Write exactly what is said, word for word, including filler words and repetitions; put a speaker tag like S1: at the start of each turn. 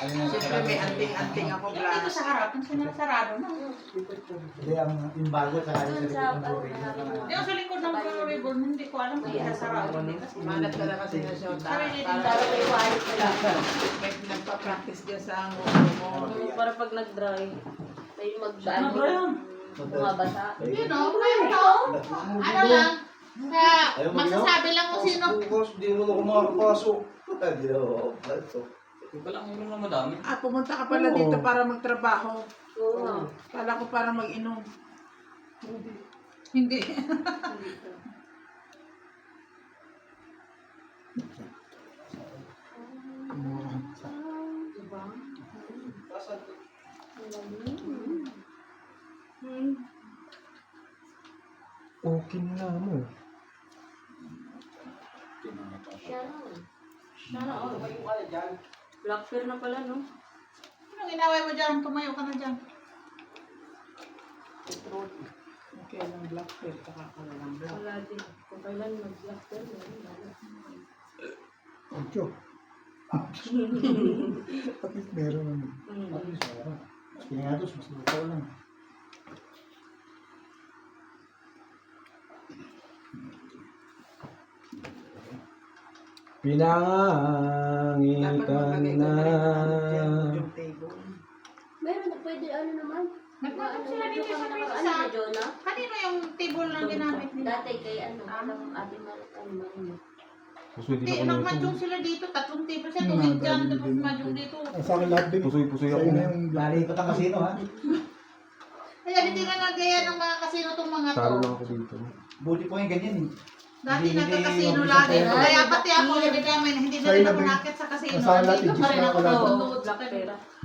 S1: Siyempre may anting-anting ako
S2: Yung
S1: glass.
S2: dito sa harap, yung sinasarado na.
S3: Hindi, ang imbago sa kanya
S4: Doon
S3: sa
S4: sa,
S3: likod ng
S4: ano,
S3: Korea.
S4: Marino.
S2: Yung sa likod ng Blue Ribbon, hindi ko alam kung sinasarado dito.
S1: Malat ka lang kasi na siya.
S2: Sarili din
S1: Para
S4: Para may white na lang.
S1: may nagpa-practice dyan sa nguso mo.
S4: Mm, Para pag nag-dry, may magdaan.
S2: Ano ba yun?
S4: Mga basa.
S2: You know, ngayon to, ano lang, na magsasabi lang kung sino.
S3: Bukas, di mo na ako makakapasok. Hindi na ako makakapasok.
S5: Yung pala ang ulo na madami.
S1: Ah, pumunta ka pala dito para magtrabaho.
S4: Oo nga.
S1: Kala ko para mag-inom. Hindi.
S3: Okay na mo.
S4: Black pear na pala, no?
S2: Anong inaway mo dyan? Tumayo ka na dyan.
S1: Okay lang, black pear. Kakakala lang black.
S4: Wala din. Kung kailan mag-black pear, meron na.
S3: Ocho. At least meron naman. At least meron. Mas pinagatos, mas luto lang. Pinangitan na.
S1: Yung table.
S4: Meron na pwede, ano naman?
S2: Nagtatap
S4: Ano,
S2: sila dito
S4: medyo
S2: sa
S4: ka
S2: may
S4: na-
S2: isa.
S4: Ano na, Jonah?
S2: Kanino yung table na ginamit nila?
S4: Dati kay ano, alam ate Marit, ano Marino.
S2: Hindi, nagmadyong sila dito. Tatlong table siya. Tumid dyan. Tapos madyong dito.
S3: Ang sa akin lahat din.
S6: Pusoy-pusoy
S3: Sa'yo
S6: ako.
S3: na yung lalikot ang kasino, ha?
S2: Kaya hindi na nagaya ng mga kasino tong mga to.
S6: Talo lang ako dito.
S3: Buti po yung ganyan, eh.
S2: Dati
S3: Hindi,
S2: nagka-casino
S3: hindi,
S2: lagi.
S3: hindi.
S2: Kaya pati ako, hindi namin, hindi na
S3: Sa'yo
S2: rin
S3: na
S2: ako
S3: din.
S2: nakit sa casino.
S3: Sa lahat,
S2: Dito pa rin
S3: i-gis na
S2: ako
S3: wala.
S2: nanonood sa
S4: Black pear.
S2: kanila.